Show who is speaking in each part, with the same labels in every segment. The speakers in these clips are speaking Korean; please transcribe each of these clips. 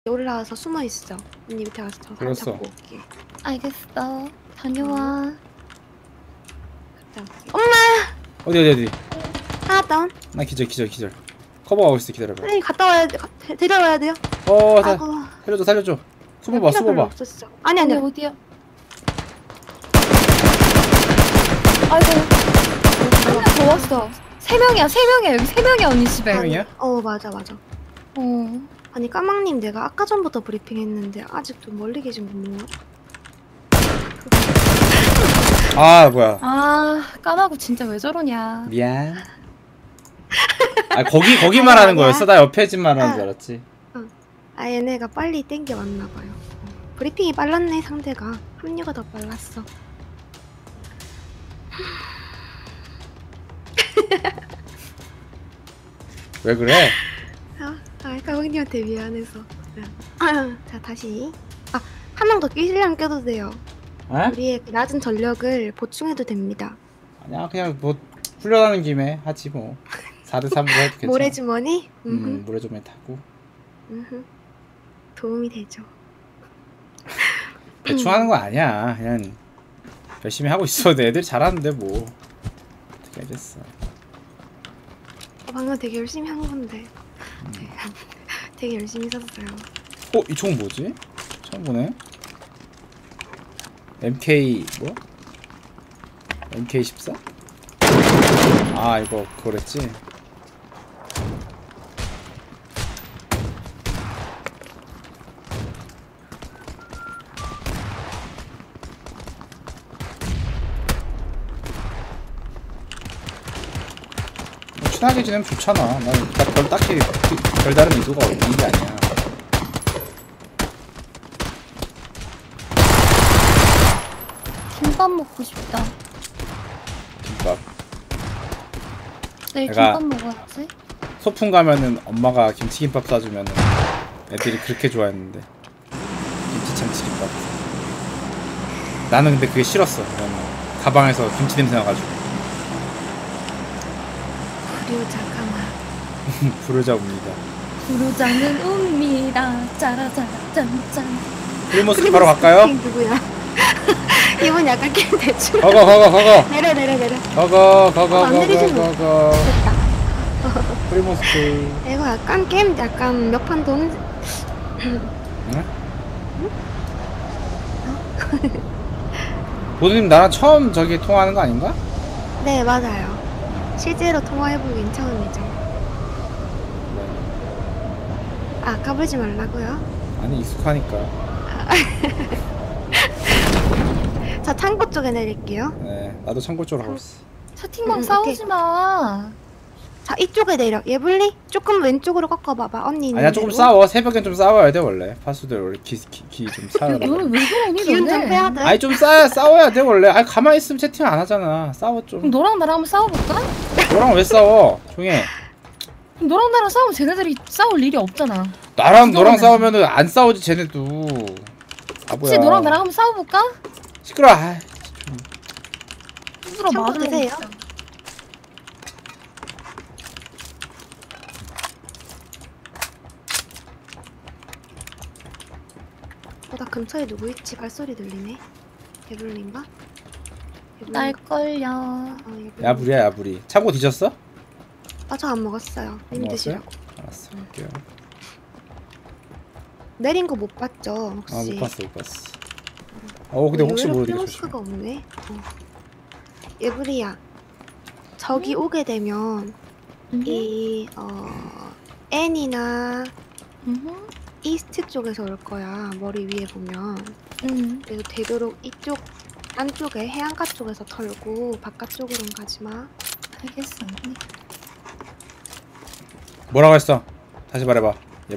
Speaker 1: 올라와서 숨어 있어. 언니 밑에 가서 저 사람 잡고 올게.
Speaker 2: 알겠어. 다녀와.
Speaker 1: 갔다 올게. 엄마!
Speaker 2: 어디?
Speaker 1: 하나 다운.
Speaker 2: 나 기절. 커버하고 있어. 기다려봐.
Speaker 1: 선생님 갔다 와야 돼. 데려와야 돼요.
Speaker 2: 살려줘. 숨어봐.
Speaker 1: 없었어. 아니.
Speaker 2: 어디야? 아이고. 한 명 더 왔어. 3명이야. 여기 3명이야 언니 집에.
Speaker 1: 3명이야? 맞아. 아니 까망님 내가 아까 전부터 브리핑했는데 아직도 멀리 계신 분 뭐야?
Speaker 2: 아 뭐야?
Speaker 3: 까마고 진짜 왜 저러냐.
Speaker 2: 미안. 거기 말하는 거였어? 나 옆에 집 말하는 줄 알았지.
Speaker 1: 얘네가 빨리 땡겨 왔나봐요. 브리핑이 빨랐네. 상대가 합류가 더 빨랐어.
Speaker 2: 왜 그래?
Speaker 1: 까망님한테 미안해서. 자 다시. 한 명 더 끼시려면 껴도 돼요. 우리의 그 낮은 전력을 보충해도 됩니다.
Speaker 2: 아니야 그냥 뭐 훈련하는 김에 하지 뭐. 4대3으로 해도 괜찮아.
Speaker 1: 모래주머니?
Speaker 2: 모래주머니 타고.
Speaker 1: 도움이 되죠.
Speaker 2: 대충 하는 거 아니야. 그냥 열심히 하고 있어. 애들이 잘하는데 뭐 어떻게 하겠어.
Speaker 1: 방금 되게 열심히 한 건데. 되게 열심히 썼어요.
Speaker 2: 이 총 뭐지? 처음 보네. MK 뭐? MK14? 이거 그거랬지? 친하게 지내면 좋잖아. 난 딱히 별다른 의도가 있는 게 아니야.
Speaker 3: 김밥 먹고 싶다.
Speaker 2: 김밥.
Speaker 3: 내일 김밥 먹어야지.
Speaker 2: 소풍 가면은 엄마가 김치김밥 싸주면은 애들이 그렇게 좋아했는데. 김치참치김밥. 나는 근데 그게 싫었어. 가방에서 김치 냄새 나가지고. 부르자 웁니다.
Speaker 3: 부르자는 웁니다. 짜라짜라 짠짠.
Speaker 2: 프리모스 바로 갈까요?
Speaker 1: 누구야? 이분 약간 게임 대충.
Speaker 2: 거거.
Speaker 1: 내려.
Speaker 2: 거거.
Speaker 1: 됐다.
Speaker 2: 프리모스.
Speaker 1: 이거 약간 게임 약간 몇 판 돈.
Speaker 2: 응? 보드님 나랑 처음 저기 통화하는 거 아닌가?
Speaker 1: 네 맞아요. 실제로 통화해보긴 처음이죠. 까불지 말라고요?
Speaker 2: 아니 익숙하니까.
Speaker 1: 저 창고 쪽에 내릴게요.
Speaker 2: 네, 나도 창고 쪽으로 가고 있어.
Speaker 3: 채팅방 싸우지 마.
Speaker 1: 자 이쪽에 내려. 예블리 조금 왼쪽으로 꺾어봐봐. 언니.
Speaker 2: 아니야 조금 싸워. 새벽엔 좀 싸워야 돼 원래. 파수들 원래 기 좀 싸워.
Speaker 3: 너는 왜 그러니?
Speaker 1: 기운 좀 빼야 돼.
Speaker 2: 아니 좀 싸워야 돼 원래. 가만히 있으면 채팅 안 하잖아. 싸워 좀.
Speaker 3: 그럼 너랑 나랑 한번 싸워볼까?
Speaker 2: 너랑 왜 싸워? 조용해.
Speaker 3: 그럼 너랑 나랑 싸우면 쟤네들이 싸울 일이 없잖아.
Speaker 2: 너랑 싸우면은 안 싸우지 쟤네도.
Speaker 3: 혹시 너랑 나랑 한번 싸워볼까?
Speaker 2: 시끄러워.
Speaker 1: 참고 드세요. 나 근처에 누구 있지? 발소리 들리네. 예블린가?
Speaker 3: 날걸요.
Speaker 2: 야부리. 창고 뒤졌어?
Speaker 1: 저 안 먹었어요. 님 드시라고.
Speaker 2: 알았어. 갈게요.
Speaker 1: 내린 거 못 봤죠? 혹시?
Speaker 2: 못 봤어. 근데 혹시 모르니까 조심해.
Speaker 1: 플러스가 없네. 예브리야. 저기 오게 되면 N이나 이스트 쪽에서 올 거야. 머리 위에 보면. 그래서 되도록 이쪽 안쪽에 해안가 쪽에서 털고 바깥쪽으로는 가지 마.
Speaker 3: 알겠어.
Speaker 2: 뭐라고 했어? 다시 말해봐.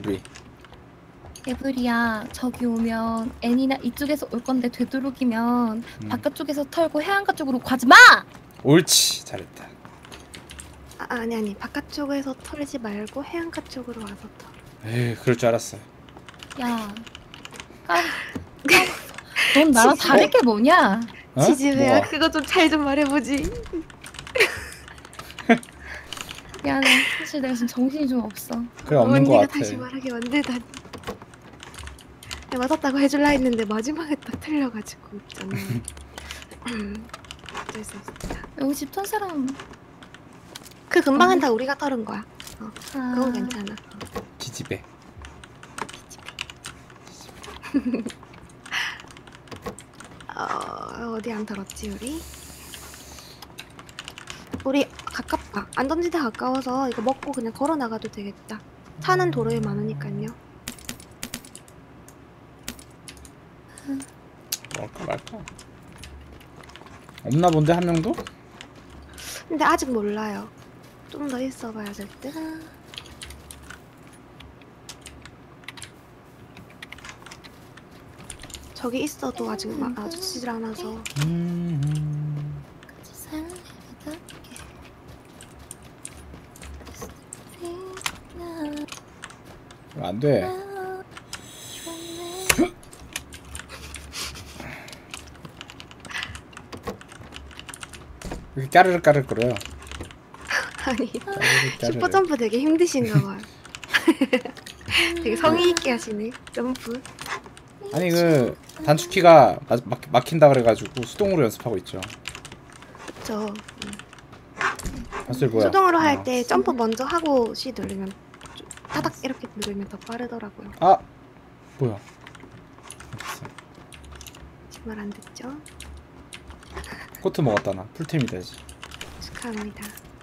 Speaker 3: 예브리야, 저기 오면 애니나 이쪽에서 올 건데 되도록이면 바깥쪽에서 털고 해안가 쪽으로 가지 마!
Speaker 2: 옳지. 잘했다.
Speaker 1: 아니. 바깥쪽에서 털지 말고 해안가 쪽으로 와서 털.
Speaker 2: 에이, 그럴 줄 알았어.
Speaker 3: 야, 넌 나랑 다를 게 뭐냐?
Speaker 1: 지지배야, 그거 좀 잘 좀 말해보지.
Speaker 3: 미안해. 사실 내가 지금 정신이 좀 없어.
Speaker 2: 그래 없는 거 같아.
Speaker 1: 언니가 다시 말하게 만들다니. 맞았다고 해줄라 했는데 마지막에 딱 틀려가지고 있잖아. 어쩔 수 없습니다.
Speaker 3: 여기 집 턴 사람.
Speaker 1: 그 금방은 다 우리가 털은 거야. 그건
Speaker 3: 아,
Speaker 1: 괜찮아.
Speaker 2: 지지배.
Speaker 1: 어디 안 털었지 우리? 우리 가깝다. 안전지대 가까워서 이거 먹고 그냥 걸어 나가도 되겠다. 차는 도로에 많으니까요.
Speaker 2: 먹을까 말까? 없나 본데 한 명도?
Speaker 1: 근데 아직 몰라요. 좀 더 있어봐야 될 듯. 저기 있어도 아직 마주치질 않아서.
Speaker 3: 같이 살아가게.
Speaker 2: 안 돼. 이렇게 까르르 까르르 거려요.
Speaker 1: 아니
Speaker 2: 까르르 까르르.
Speaker 1: 슈퍼점프 되게 힘드신가 봐요. 되게 성의 있게 하시네 점프.
Speaker 2: 아니 그 단축키가 막힌다 그래가지고 수동으로 연습하고 있죠.
Speaker 1: 저
Speaker 2: 사실 뭐야?
Speaker 1: 수동으로 할 때 점프 먼저 하고 C 누르면 타닥 이렇게 누르면 더 빠르더라고요.
Speaker 2: 아 뭐야?
Speaker 1: 정말 안 듣죠?
Speaker 2: 코트 먹었다 나. 풀템이다 이제.
Speaker 1: 축하합니다.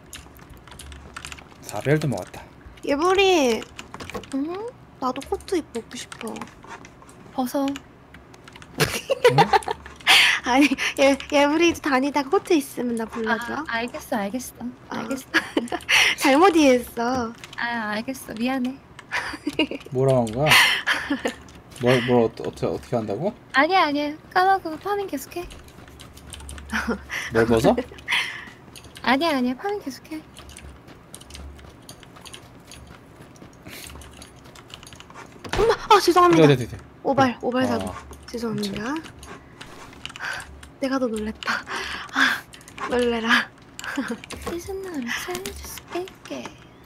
Speaker 2: 4벨도 먹었다.
Speaker 1: 예불이
Speaker 3: 응?
Speaker 1: 나도 코트 입고 싶어.
Speaker 3: 벗어.
Speaker 1: 아니 예불이 다니다가 코트 있으면 나 불러줘.
Speaker 3: 알겠어. 알겠어.
Speaker 1: 잘못 이해했어.
Speaker 3: 알겠어. 미안해.
Speaker 2: 뭐라고 한 거야? 뭘 어떻게 한다고?
Speaker 3: 아니야. 까마귀 파밍 계속해.
Speaker 2: 뭘 벗어?
Speaker 3: 아니야. 파밍 계속해.
Speaker 1: 엄마 죄송합니다.
Speaker 2: 네.
Speaker 1: 오발 사고.
Speaker 2: 아,
Speaker 1: 죄송합니다. 내가 더 놀랬다. 놀래라.
Speaker 3: 이젠 너를 찾을 수 있게.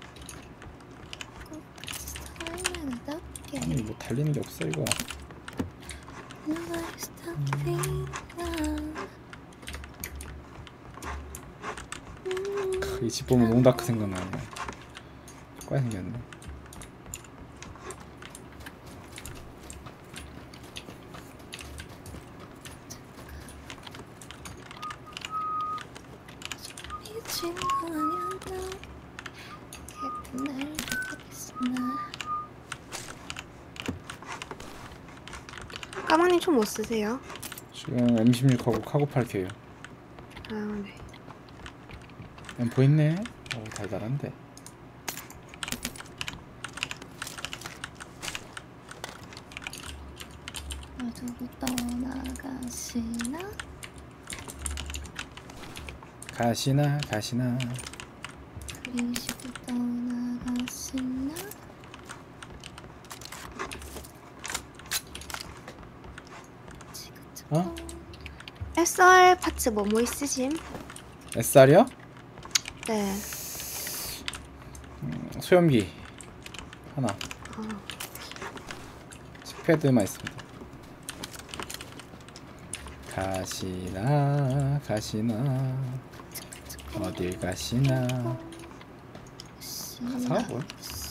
Speaker 3: 사랑하는 답게.
Speaker 2: 아니 뭐 달리는 게 없어 이거.
Speaker 3: Nobody's stopping now.
Speaker 2: 이 집 보면 롱다크 생각나네. 꽤 생겼네.
Speaker 3: 미친 거 아니야 너. 같은 날 보겠으나.
Speaker 1: 까마님 총 못 쓰세요?
Speaker 2: 지금 M16하고 카고 8K요.
Speaker 1: 네.
Speaker 2: M4 있네. 오 달달한데.
Speaker 3: 두고 떠나가시나?
Speaker 2: 가시나.
Speaker 3: 그리시고 떠나가시나?
Speaker 2: 어?
Speaker 1: SR 파츠 뭐 있으심?
Speaker 2: SR이요?
Speaker 1: 네.
Speaker 2: 소염기 하나. 칙패드만 있습니다. 가시나 어딜 가시나. 가사가 뭐야?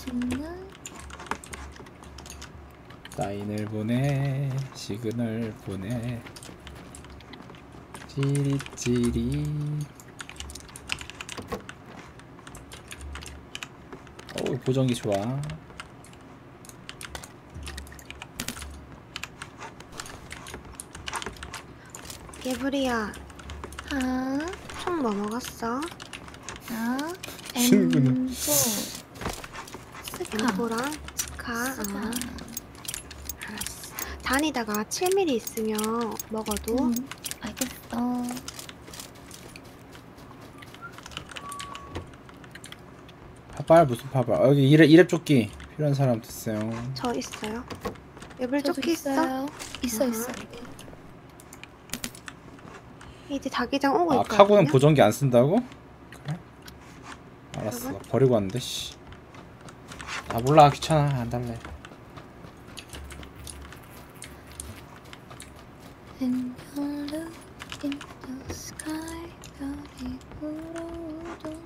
Speaker 2: 사인을 보내 시그널 보내 찌릿찌릿. 어우 보정기 좋아.
Speaker 1: 예불이야
Speaker 3: 아,
Speaker 1: 총 뭐 먹었어?
Speaker 2: 친구는.
Speaker 3: M4 스카
Speaker 1: M4랑 스카. 알았어. 다니다가 7mm 있으면 먹어도.
Speaker 3: 알겠어.
Speaker 2: 파발 무슨 파발. 여기 이랩 조끼 필요한 사람 됐어요.
Speaker 1: 저 있어요. 예불
Speaker 3: 저도
Speaker 1: 조끼 있어?
Speaker 3: 있어요. 있어.
Speaker 1: 이제 자기장 오고
Speaker 2: 아
Speaker 1: 있거든요.
Speaker 2: 카고는 보정기 안 쓴다고? 그래? 알았어.
Speaker 1: 여러분?
Speaker 2: 버리고 왔는데 씨. 아 몰라 귀찮아 안 달래.
Speaker 3: And you look into the sky, 별이 불어오던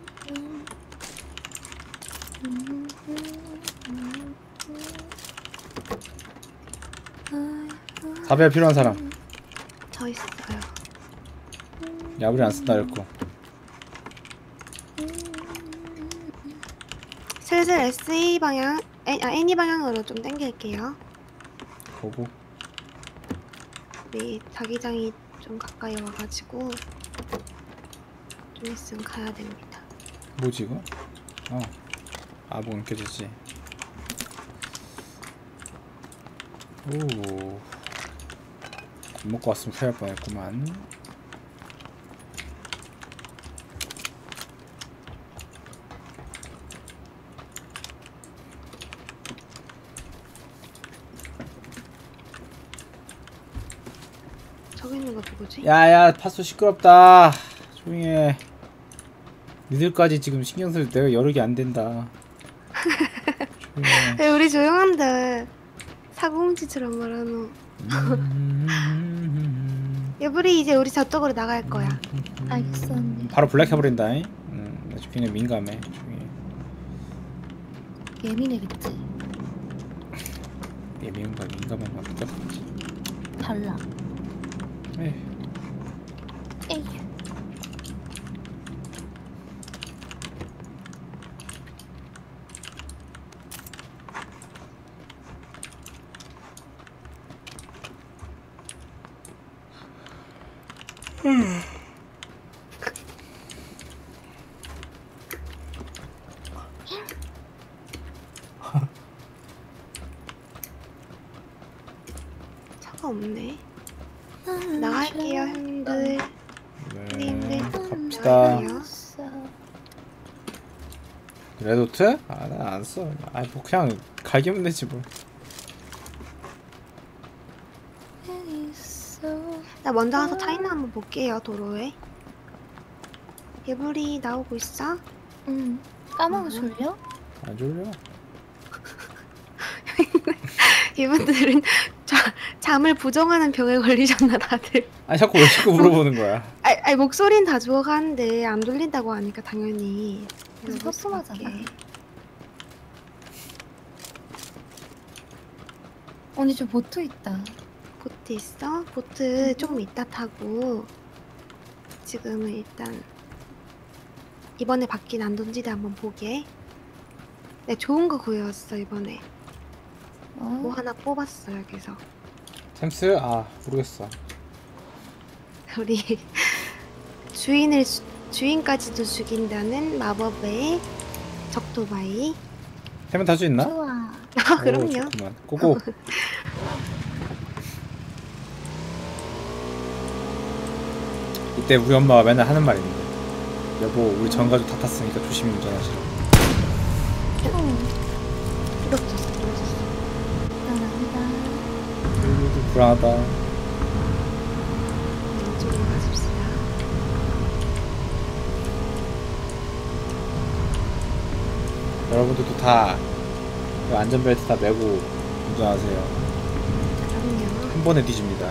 Speaker 4: 사별 필요한 사람.
Speaker 1: 저 있어요.
Speaker 4: 야불이 안 쓴다 이랬고.
Speaker 1: 슬슬 SE 방향, NE 방향으로 좀 당길게요.
Speaker 4: 보고.
Speaker 1: 우리 자기장이 좀 가까이 와가지고 좀 있으면 가야 됩니다.
Speaker 4: 뭐지 이거? 뭐 느껴지지. 오. 밥 먹고 왔으면 큰일 날 뻔했구만.
Speaker 1: 저기 있는 거 누구지?
Speaker 4: 야야 파수 시끄럽다. 조용히 해. 니들까지 지금 신경 쓸 내가 여력이 안 된다. 조용히 해.
Speaker 1: 왜 우리 조용한데 사고뭉치처럼 말하노. 얘불이 이제 우리 저쪽으로 나갈 거야.
Speaker 3: 알겠어 언니.
Speaker 4: 바로 블랙 해버린다잉. 나 굉장히 민감해. 조용히 해.
Speaker 3: 예민해겠지.
Speaker 4: 예민과 민감한 건 똑같지.
Speaker 3: 달라.
Speaker 4: 에휴.
Speaker 3: 에이.
Speaker 1: 차가 없네. 나갈게요 형님들.
Speaker 4: 네. 갑시다.
Speaker 1: 나갈게요.
Speaker 4: 레도트? 나 안 써. 뭐 그냥 갈기면 되지 뭐.
Speaker 1: 나 먼저 가서 차이나 한번 볼게요 도로에. 얘불이 나오고 있어?
Speaker 3: 응. 까먹어 졸려?
Speaker 4: 안 졸려.
Speaker 1: 이분들은 잠을 부정하는 병에 걸리셨나 다들.
Speaker 4: 자꾸 왜 자꾸 물어보는 거야?
Speaker 1: 아니 목소리는 다 좋아가는데 안 들린다고 하니까 당연히.
Speaker 3: 그래서 섭섭하잖아. 언니 저 보트 있다.
Speaker 1: 보트 있어? 보트 조금 이따 타고 지금은 일단 이번에 바뀐 안전지대 한번 보게. 네 좋은 거 구해왔어 이번에. 뭐 하나 뽑았어 여기서.
Speaker 4: 템스? 모르겠어.
Speaker 1: 우리 주인까지도 죽인다는 마법의 적도바이.
Speaker 4: 템은 탈 수 있나?
Speaker 3: 좋아.
Speaker 1: 그럼요.
Speaker 4: 좋구만. 고고. 이때 우리 엄마가 맨날 하는 말인데, 여보 우리 전 가족 다 탔으니까 조심히 운전하시라고.
Speaker 1: 부럽졌어.
Speaker 4: 불안하다.
Speaker 1: 이쪽으로 가십시다.
Speaker 4: 여러분들도 다 안전벨트 다 매고 운전하세요.
Speaker 1: 그럼요.
Speaker 4: 한 번에 뒤집니다.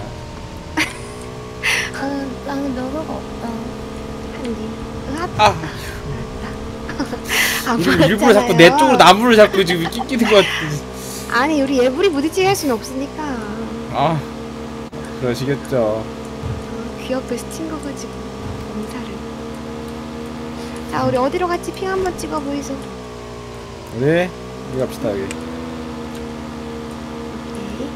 Speaker 3: 나는 면허가 없다.
Speaker 1: 한입.
Speaker 4: 일부러 자꾸 내 쪽으로 나무를 자꾸 지금 끼끼는 것 같아.
Speaker 1: 아니 우리 예불이 부딪히게 할 수는 없으니까.
Speaker 4: 그러시겠죠.
Speaker 1: 귀엽게 스친 거 가지고 검사를. 자 우리 어디로 같이 핑 한번 찍어 보이소.
Speaker 4: 우리 갑시다 여기.
Speaker 1: 오케이.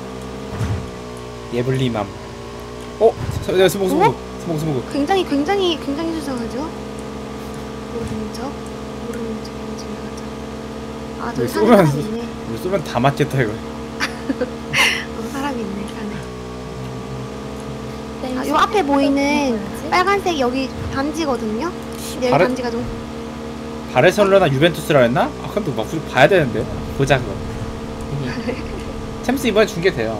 Speaker 4: 예블리맘. 스모그.
Speaker 1: 굉장히 수상하죠. 오른쪽 지나가자. 저기 사람 있네.
Speaker 4: 우리 쏘면 다 맞겠다 이거.
Speaker 1: 사람 있네 산에. 요 앞에 보이는 빨간색 여기 단지거든요. 근데 여기 단지가 좀
Speaker 4: 바르셀로나 유벤투스라 했나? 근데 막 우리 봐야 되는데. 보자 그거. 챔스 이번에 중계돼요.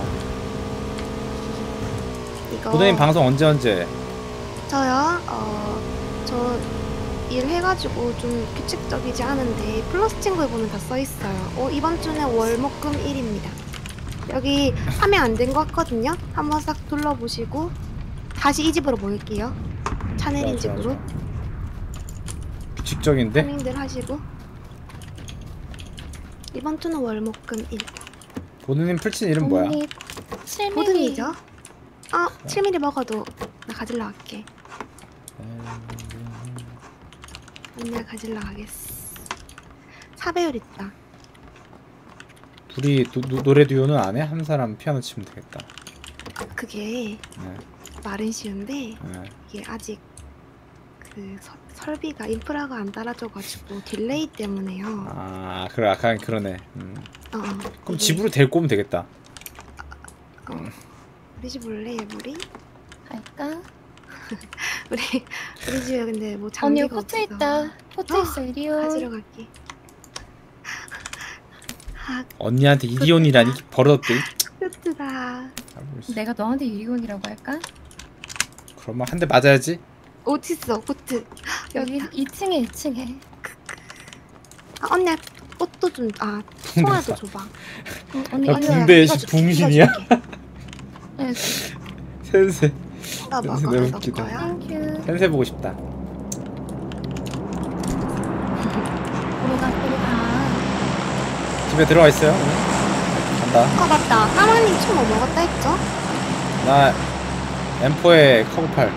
Speaker 1: 이거
Speaker 4: 보드님 방송 언제?
Speaker 1: 저요? 저 일해가지고 좀 규칙적이지 않은데 플러스 친구에 보면 다 써있어요. 이번 주는 월목금 일입니다. 여기 하면 안 된 것 같거든요. 한번 싹 둘러보시고 다시 이 집으로 모일게요. 차 내린
Speaker 4: 좋아, 좋아,
Speaker 1: 집으로.
Speaker 4: 좋아. 규칙적인데?
Speaker 1: 파밍들 하시고. 이번 투는 월목금 1.
Speaker 4: 보드님 풀친 이름 뭐야?
Speaker 3: 언니 7mm.
Speaker 1: 보든이죠? 7mm 먹어도 나 가질러 갈게. 맨날 가질러 가겠어. 4배율 있다.
Speaker 4: 둘이 노래 듀오는 안 해? 한 사람 피아노 치면 되겠다.
Speaker 1: 그게
Speaker 4: 네.
Speaker 1: 말은 쉬운데
Speaker 4: 네.
Speaker 1: 이게 아직 그 설비가 인프라가 안 따라줘가지고 딜레이 때문에요.
Speaker 4: 아 그래 약간 그러네. 그럼
Speaker 1: 이게-
Speaker 4: 집으로 데리고 오면 되겠다.
Speaker 1: 우리 집 올래 우리?
Speaker 3: 갈까?
Speaker 1: 우리 집에 근데 뭐
Speaker 3: 언니
Speaker 1: 장비가
Speaker 3: 포트
Speaker 1: 없어.
Speaker 3: 있다. 포트 있어 이리요.
Speaker 1: 가지러 갈게.
Speaker 4: 언니한테 이리온이라니 버릇없게.
Speaker 1: 포트다.
Speaker 3: 내가 너한테 이리온이라고 할까?
Speaker 4: 그러면 한 대 맞아야지.
Speaker 1: 어딨어 포트?
Speaker 3: 여기 2층에 2층에.
Speaker 1: 언니 꽃도 좀 송아도 줘봐.
Speaker 3: 언니
Speaker 4: 야,
Speaker 3: 이리
Speaker 4: 붕대.
Speaker 3: 와.
Speaker 4: 붕대
Speaker 1: 이거
Speaker 4: 붕신이야?
Speaker 3: 네,
Speaker 4: 센세.
Speaker 1: 나
Speaker 4: 너무
Speaker 1: 먹어 너
Speaker 4: 웃기다.
Speaker 1: 거야?
Speaker 3: 땡큐.
Speaker 4: 센세 보고 싶다.
Speaker 3: 보러가.
Speaker 4: 집에 들어와 있어요. 간다.
Speaker 1: 맞다. 까마님 총 뭐 먹었다 했죠?
Speaker 4: 나 M4에 커브8.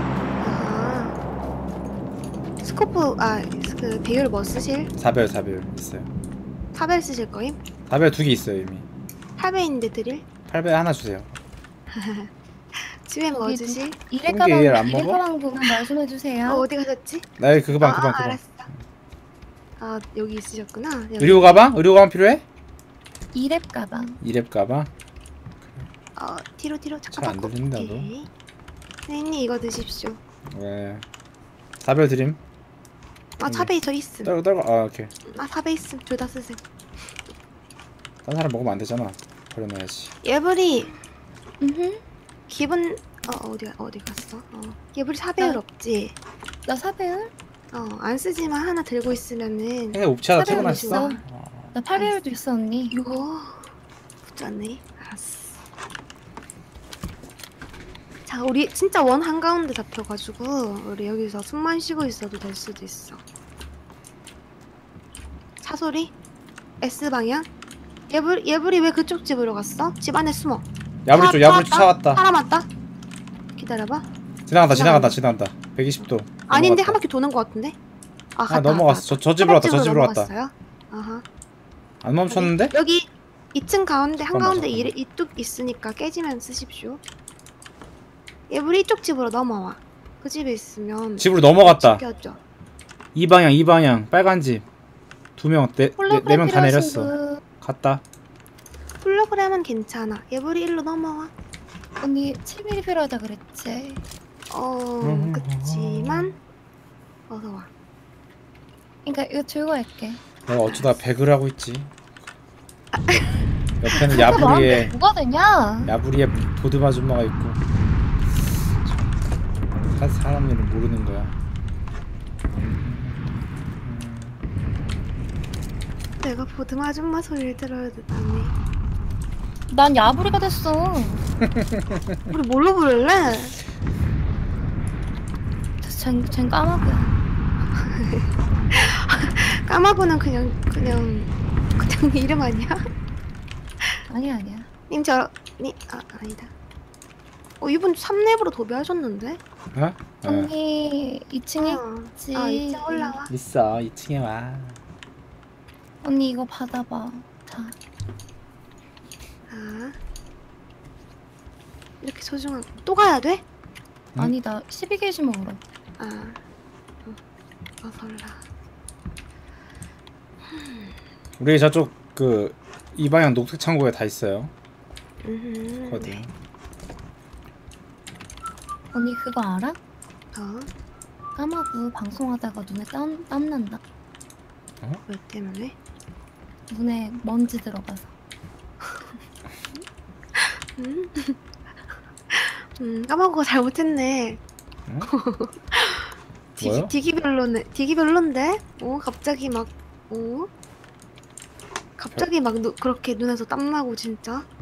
Speaker 1: 스코프 그 배율 뭐 쓰실?
Speaker 4: 4배율 있어요.
Speaker 1: 4배 쓰실 거임?
Speaker 4: 4배율 2개 있어요 이미.
Speaker 1: 8배인데 드릴?
Speaker 4: 8배 하나 주세요.
Speaker 1: 집에 뭐
Speaker 3: 여기
Speaker 1: 주실?
Speaker 3: 이래
Speaker 4: 홍게 일 안
Speaker 3: 가방
Speaker 4: 먹어?
Speaker 3: 가방 부분 말씀해 주세요.
Speaker 1: 어디 가셨지?
Speaker 4: 나 여기 그방
Speaker 1: 알았어. 여기 있으셨구나. 여기.
Speaker 4: 의료 가방? 의료 가방 필요해?
Speaker 3: 이랩 가방.
Speaker 4: 2렙 가방?
Speaker 1: 뒤로
Speaker 4: 잘안 들린다, 너.
Speaker 1: 오케이. 선생님 이거 드십시오.
Speaker 4: 왜? 4배율 드림.
Speaker 1: 4배 저 있음.
Speaker 4: 떨고 오케이.
Speaker 1: 4배 있음. 둘 다 쓰세요.
Speaker 4: 딴 사람 먹으면 안 되잖아. 버려놔야지.
Speaker 1: 예불이
Speaker 3: 음.
Speaker 1: 기분 어디 갔어? 예불이 4배율 없지?
Speaker 3: 나 사배율?
Speaker 1: 안 쓰지만 하나 들고 있으면은
Speaker 4: 근데 옵치하다
Speaker 1: 4배율
Speaker 4: 퇴근했어.
Speaker 1: 있어.
Speaker 3: 나 8배율도 있어 언니.
Speaker 1: 이거 붙였네. 알았어. 자, 우리 진짜 원 한가운데 잡혀가지고 우리 여기서 숨만 쉬고 있어도 될 수도 있어. 차 소리? S 방향? 예불이 왜 그쪽 집으로 갔어? 집 안에 숨어.
Speaker 4: 야부리 쪽 야부리 쪽 차 왔다.
Speaker 1: 사람 왔다. 기다려봐.
Speaker 4: 지나간다. 120도.
Speaker 1: 아닌데
Speaker 4: 넘어갔다.
Speaker 1: 한 바퀴 도는 것 같은데? 갔다,
Speaker 4: 넘어갔어.
Speaker 1: 갔다.
Speaker 4: 저 집으로 왔다. 저 집으로 왔다.
Speaker 1: 넘어갔어요? 아하.
Speaker 4: 안 멈췄는데?
Speaker 1: 여기 2층 가운데 한가운데
Speaker 4: 잠깐만.
Speaker 1: 이뚝 있으니까 깨지면 쓰십시오. 예불이 이쪽 집으로 넘어와. 그 집에 있으면
Speaker 4: 집으로 넘어갔다.
Speaker 1: 지켜줘.
Speaker 4: 이 방향. 빨간 집. 2명, 네 명 다 내렸어.
Speaker 3: 분.
Speaker 4: 갔다.
Speaker 1: 홀로그램은 괜찮아. 예불이 일로 넘어와.
Speaker 3: 언니 7mm 필요하다 그랬지.
Speaker 1: 그치만 어서 와.
Speaker 3: 그러니까 이거 들고 갈게.
Speaker 4: 내가 어쩌다 배그를 하고 있지. 옆에는
Speaker 3: 너한테
Speaker 4: 야부리에
Speaker 3: 뭐가 되냐?
Speaker 4: 보듬 아줌마가 있고. 사람 일을 모르는 거야.
Speaker 1: 내가 보듬 아줌마 소리를 들어야 되다니.
Speaker 3: 난 야부리가 됐어.
Speaker 1: 우리 뭘로 부를래?
Speaker 3: 쟨 까마귀야.
Speaker 1: 까마고는 그냥 이름 아니야?
Speaker 3: 아니야.
Speaker 1: 님 아니다. 이분 3렙으로 도배하셨는데?
Speaker 4: 어?
Speaker 3: 언니 2층에
Speaker 1: 어.
Speaker 3: 있지.
Speaker 1: 2층 올라와.
Speaker 4: 있어. 2층에 와.
Speaker 3: 언니 이거 받아봐. 자.
Speaker 1: 이렇게 소중한 또 가야 돼?
Speaker 4: 응?
Speaker 3: 아니 나 12개씩 먹으러.
Speaker 1: 어설라.
Speaker 4: 우리 저쪽 이 방향 녹색 창고에 다 있어요. 거기.
Speaker 1: 네.
Speaker 3: 언니 그거 알아?
Speaker 1: 어?
Speaker 3: 까마귀 방송하다가 눈에 땀 난다.
Speaker 1: 왜 때문에?
Speaker 3: 눈에 먼지 들어가서.
Speaker 1: 까마고가 잘못했네.
Speaker 4: 응? 뭐요?
Speaker 1: 디기 별론데? 갑자기 막 그렇게 눈에서 땀 나고 진짜.